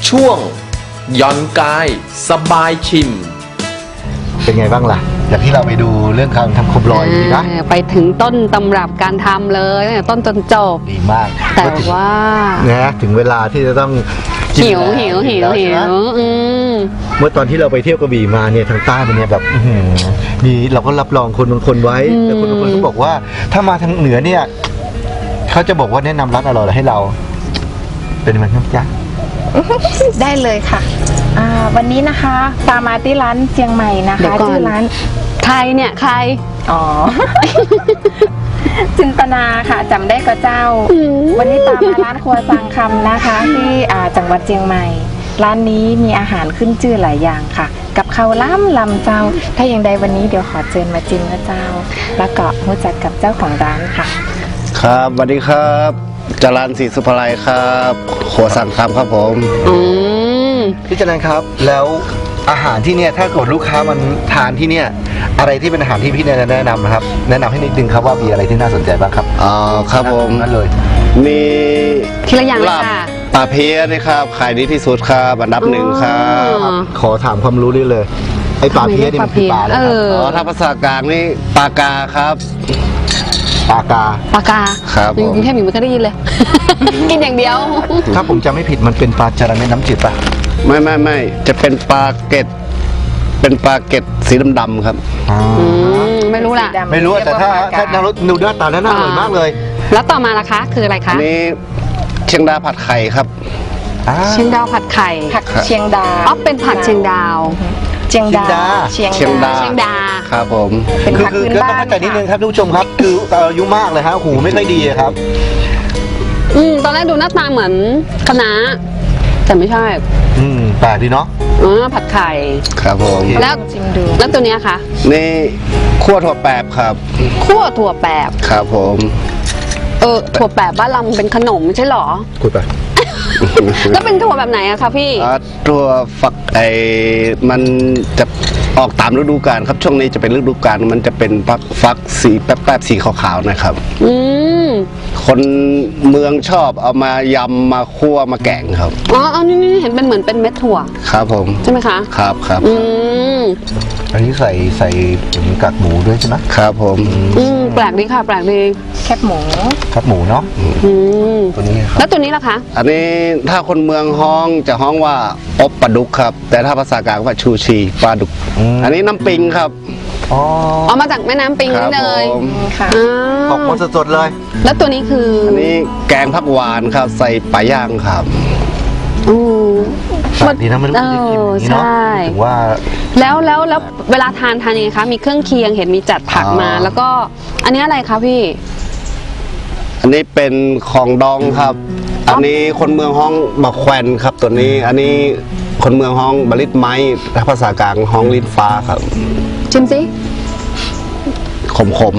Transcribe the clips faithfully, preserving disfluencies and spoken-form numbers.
ช่วงย่อนกายสบายชิมเป็นไงบ้างล่ะอย่างที่เราไปดูเรื่องการทำโคมลอยดีนะไปถึงต้นตำรับการทำเลยตั้งแต่ต้นจนจบดีมากแต่ว่านะถึงเวลาที่จะต้องหิวหิวหิวหิวเมื่อตอนที่เราไปเที่ยวกระบี่มาเนี่ยทางใต้มันเนี่ยแบบมีเราก็รับรองคนบางคนไว้แต่คนบางคนก็บอกว่าถ้ามาทางเหนือเนี่ยเขาจะบอกว่าแนะนำร้านอร่อยให้เราเป็นมันครับจ๊ะได้เลยค่ะวันนี้นะคะตามมาที่ร้านเชียงใหม่นะคะชื่อร้านใครเนี่ยใครอ๋อ จินตนาค่ะจำได้ก็เจ้าวันนี้ตามมาร้านครัวสังคำนะคะที่จังหวัดเชียงใหม่ร้านนี้มีอาหารขึ้นชื่อหลายอย่างค่ะกับข้าวล้ำลำเจ้าถ้าอย่างใดวันนี้เดี๋ยวขอเชิญมาจิ้มนะเจ้าแล้วก็รู้จักกับเจ้าของร้านค่ะครับสวัสดีครับจรัญศรีสุภาลัยครับครัวสังคำครับผมพี่จรัญครับแล้วอาหารที่เนี่ยถ้าเกิดลูกค้ามันทานที่เนี่ยอะไรที่เป็นอาหารที่พี่แนะนำนะครับแนะนำให้นิดนึงครับว่ามีอะไรที่น่าสนใจบ้างครับอ๋อครับผมนั่นเลยมีทีละอย่างเลยค่ะปลาเพี้ยนะครับขายดีที่สุดครับอันดับหนึ่งครับขอถามความรู้ได้เลยไอปลาเพี้ยนี่มันคือปลาอะไรครับอ๋อถ้าภาษากลางนี่ปลากาครับปลากาปลากาครับกรุงเทพอยู่ไม่เคยได้ยินเลยกินอย่างเดียวถ้าผมจำไม่ผิดมันเป็นปลาจระเข้น้ำจืดป่ะไม่ไม่ไม่จะเป็นปลาเกตเป็นปลาเกตสีดำๆครับไม่รู้ล่ะไม่รู้แต่ถ้าถ้านารสนูด้าตาน่าอร่อยมากเลยแล้วต่อมาล่ะคะคืออะไรคะอันนี้เชียงดาผัดไข่ครับเชียงดาวผัดไข่ผักเชียงดาอ๋อเป็นผักเชียงดาวเชียงดาเชียงดาเชียงดาครับผมคือคือก็ต้องเข้าใจนิดนึงครับทุกผู้ชมครับคืออายุมากเลยฮะหูไม่ค่อยดีครับอืมตอนแรกดูหน้าตาเหมือนคะน้าแต่ไม่ใช่อืมแปลกดีเนาะอ๋อผัดไข่ครับผมแล้วแล้วตัวเนี้ยคะนี่คั่วถั่วแปบครับคั่วถั่วแปบครับผมเออถั่วแปบบ้านเราเป็นขนมไม่ใช่หรอคุยไปแล้วเป็นถั่วแบบไหนอะคะพี่ถั่วฝักไอมันจะออกตามฤดูกาลครับช่วงนี้จะเป็นฤดูกาลมันจะเป็นฟักฟักสีแป๊บๆสีขาวๆนะครับอืมคนเมืองชอบเอามายำมาคั่วมาแกงครับอ๋อเอานี่นี่เห็นเป็นเหมือนเป็นเม็ดถั่วครับผมใช่ไหมคะครับครับอืมอันนี้ใส่ใส่กากหมูด้วยใช่ไหมครับผมอืมแปลกดีค่ะแปลกดีแคบหมูแคบหมูเนาะอืมตัวนี้ครับแล้วตัวนี้ล่ะคะอันนี้ถ้าคนเมืองฮ้องจะฮ้องว่าอบปลาดุกครับแต่ถ้าภาษากลางว่าชูชีปลาดุกอันนี้น้ำปิงครับอ๋อเอามาจากแม่น้ำปิงนี่เลยค่ะออกมาสดๆเลยแล้วตัวนี้คืออันนี้แกงผักหวานครับใส่ปลาย่างครับอือมันดีนะมันไม่ได้กินอย่างนี้เนาะถึงว่าแล้วแล้วแล้วเวลาทานทานยังไงคะมีเครื่องเคียงเห็นมีจัดผักมาแล้วก็อันนี้อะไรคะพี่อันนี้เป็นของดองครับอันนี้คนเมืองฮ้องบะแควนครับตัวนี้อันนี้คนเมืองฮ้องบลิตไม้ถ้าภาษากลางฮ้องลิ้นฟ้าครับชิมสิขมขม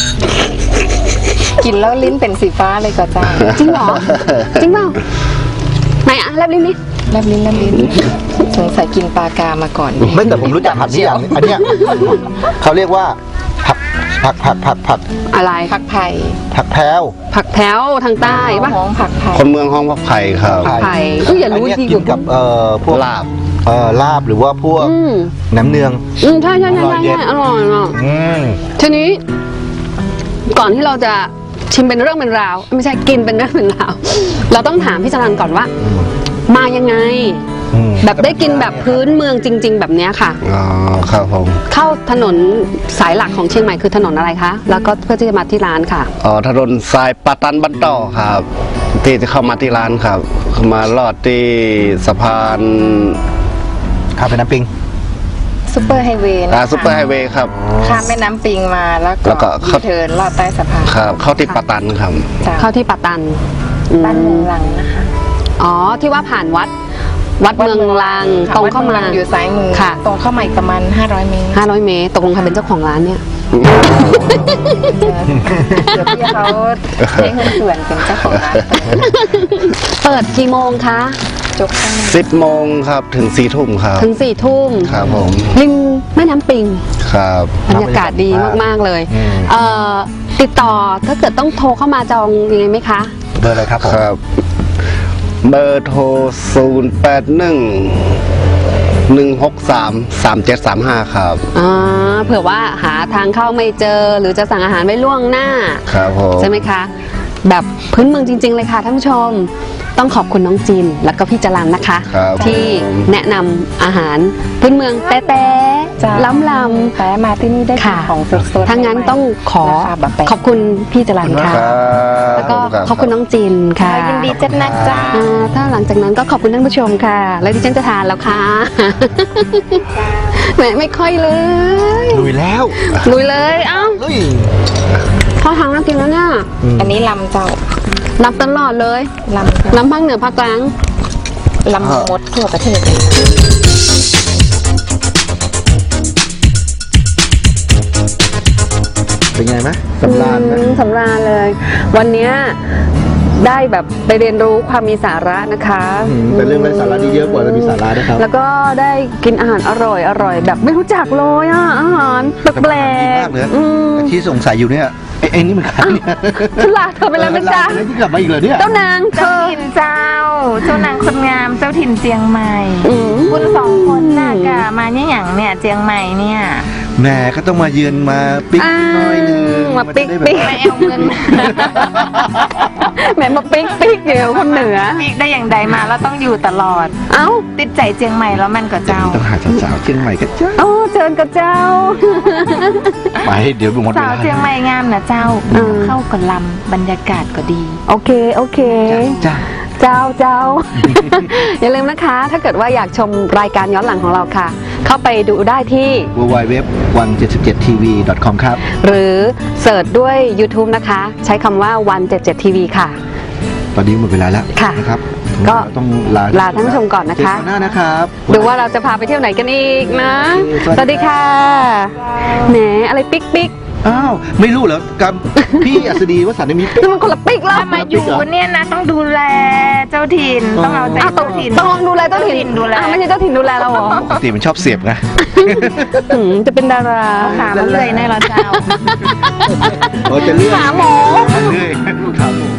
กินแล้วลิ้นเป็นสีฟ้าเลยก็จ้าจริงเหรอจริงเปล่าไหนอ่ะแลบลิ้นนี่แลบลิ้นแลบลิ้นสงสัยกินปลากามาก่อนไม่แต่ผมรู้จักผักนี่อย่างอันเนี้ยเขาเรียกว่าผักผักผักผักผักอะไรผักไผ่ผักแพรวผักแพรวทางใต้ป่ะห้องผักไผ่คนเมืองห้องผักไผ่ครับผักไผ่ก็อย่ารู้ที่กินกับเอ่อพวกลาบเอ่อลาบหรือว่าพวกน้ำเนืองอืมใช่ใช่ใช่ใช่อร่อยอ่ะทีนี้ก่อนที่เราจะชิมเป็นเรื่องเป็นราวไม่ใช่กินเป็นเรื่องเป็นราวเราต้องถามพี่จรัญก่อนว่ามายังไงแบบได้กินแบบพื้นเมืองจริงๆแบบนี้ค่ะอ๋อครับผมเข้าถนนสายหลักของเชียงใหม่คือถนนอะไรคะแล้วก็เพื่อที่จะมาที่ร้านค่ะอ๋อถนนสายปะตันบันต่อครับที่จะเข้ามาที่ร้านครับมาลอดที่สะพานข้ามแม่น้ำปิงซุปเปอร์ไฮเวย์อ่าซุปเปอร์ไฮเวย์ครับข้ามแม่น้ำปิงมาแล้วก็ยูเทิร์นลอดใต้สะพานครับเข้าที่ปะตันครับเข้าที่ปะตันบ้านเมืองลังนะคะอ๋อที่ว่าผ่านวัดวัดเมืองลังตรงเข้ามาอยู่ซ้ายมือค่ะตรงเข้ามาอีกประมาณห้าร้อยเมตรห้าร้อยเมตรตกลงใครเป็นเจ้าของร้านเนี่ยเดี๋ยวพี่เขาใช้เงินส่วนเป็นเจ้าของร้านเปิดกี่โมงคะจบสิบโมงครับถึงสี่ทุ่มครับถึงสี่ทุ่มครับผมริมแม่น้ำปิงครับบรรยากาศดีมากๆเลยเอ่อติดต่อถ้าเกิดต้องโทรเข้ามาจองยังไงไหมคะเบอร์อะไรครับผมครับเบอร์โทรศูนย์แปดหนึ่งหนึ่งหกสามสามเจ็ดสามห้าครับอ่าเผื่อว่าหาทางเข้าไม่เจอหรือจะสั่งอาหารไว้ล่วงหน้าครับผมใช่ไหมคะ แบบพื้นเมืองจริง ๆ เลยค่ะท่านผู้ชม ต้องขอบคุณน้องจินแล้วก็พี่จรัญนะคะครับที่แนะนำอาหารพื้นเมืองแต๊ะจ้าๆล้ำลำแต่มาที่นี่ได้กินค่ะของสดๆถ้างั้นต้องขอราคาแบบแปลกขอบคุณพี่จรัญค่ะครับแล้วก็ขอบคุณน้องจินค่ะยินดีจัดนักจ้าอ่าถ้าหลังจากนั้นก็ขอบคุณท่านผู้ชมค่ะ แล้วดิฉันจะทานแล้วค่ะ แหมไม่ค่อยเลยลุยแล้วลุยเลย เอ้าลุยข้าวทางน่ากินแล้วเนี่ยอันนี้ลำเจ้านับตลอดเลยลำเจ้าน้ำภาคเหนือภาคกลางลำมดทั่วประเทศเลยเป็นไงไหมสำราญไหมอืมสำราญเลย วันเนี้ยได้แบบไปเรียนรู้ความมีสาระนะคะอืมแต่เรื่องไร้สาระนี่เยอะกว่าจะมีสาระนะครับแล้วก็ได้กินอาหารอร่อยอร่อยแบบไม่รู้จักเลยอ่ะอาหารแปลแต่มันดีกมากเลยๆอืมแต่ที่สงสัยอยู่เนี่ยไอ้ไอ้นี่มันใครเนี่ยฉันลาเธอไปแล้วนะจ๊ะเออลาไปแล้วที่กลับมาอีกเหรอเนี่ยเจ้านางเธเจ้าอถิ่นเจ้า เจ้านางคนงาม เจ้าถิ่นเจียงใหม่อืมคุณสองคนน่ะกะมาเนี่ยอย่างเนี่ยเจียงใหม่เนี่ยแหม่ก็ต้องมาเยือนมาปิ๊กหน่อยหนึงมาปิ๊กนจะได้ปิ๊กแบบไม่เอาเงินแหมมาปิ๊กปิ๊กเดียวคนเหนือปีกได้อย่างใดมาแล้วต้องอยู่ตลอดเอ้าติดใจเจียงใหม่แล้วมันก็เจ้าต้องหาสาวๆเชียงใหม่กันจ้าโอ้เชิญกับเจ้าไปเดี๋ยวหมดเวสาวลาเจียงใหม่งามนะเจ้าอืมเข้ากับลำบรรยากาศก็ดีโอเค โอเคจ้าเจ้าเจ้า อย่าลืมนะคะ ถ้าเกิดว่าอยากชมรายการย้อนหลังของเราค่ะ เข้าไปดูได้ที่ดับเบิลยู ดับเบิลยู ดับเบิลยู ดอท วันเจ็ดสิบเจ็ดทีวี ดอท คอม ครับหรือเสิร์ชด้วย YouTube นะคะ ใช้คำว่า วันเจ็ดสิบเจ็ดทีวีค่ะตอนนี้หมดเวลาแล้วค่ะนะครับก็ต้องลาลาท่านผู้ชมก่อนนะคะเจอกันหน้านะครับดูว่าเราจะพาไปเที่ยวไหนกันอีกนะโอเคสวัสดีค่ะ แหม อะไรปิ๊กปิ๊กอ้าวไม่รู้เหรอกับพี่อัศดีวสันต์มีปิ๊กนี่มันคนละปิ๊กแล้วถ้ามาอยู่เนี่ยนะต้องดูแลเจ้าถิ่น ต้องเอาใจอ้าวต้องเจ้าถิ่นต้องลองดูแลเจ้าถิ่นดูแลอ้าวไม่ใช่เจ้าถิ่นดูแลเราเหรอปกติมันชอบเสียบไงหืมจะเป็นดาราขามันเลยแน่ละเจ้าเราจะเลื่อนหาหมอเลื่อยลูกถามหมอ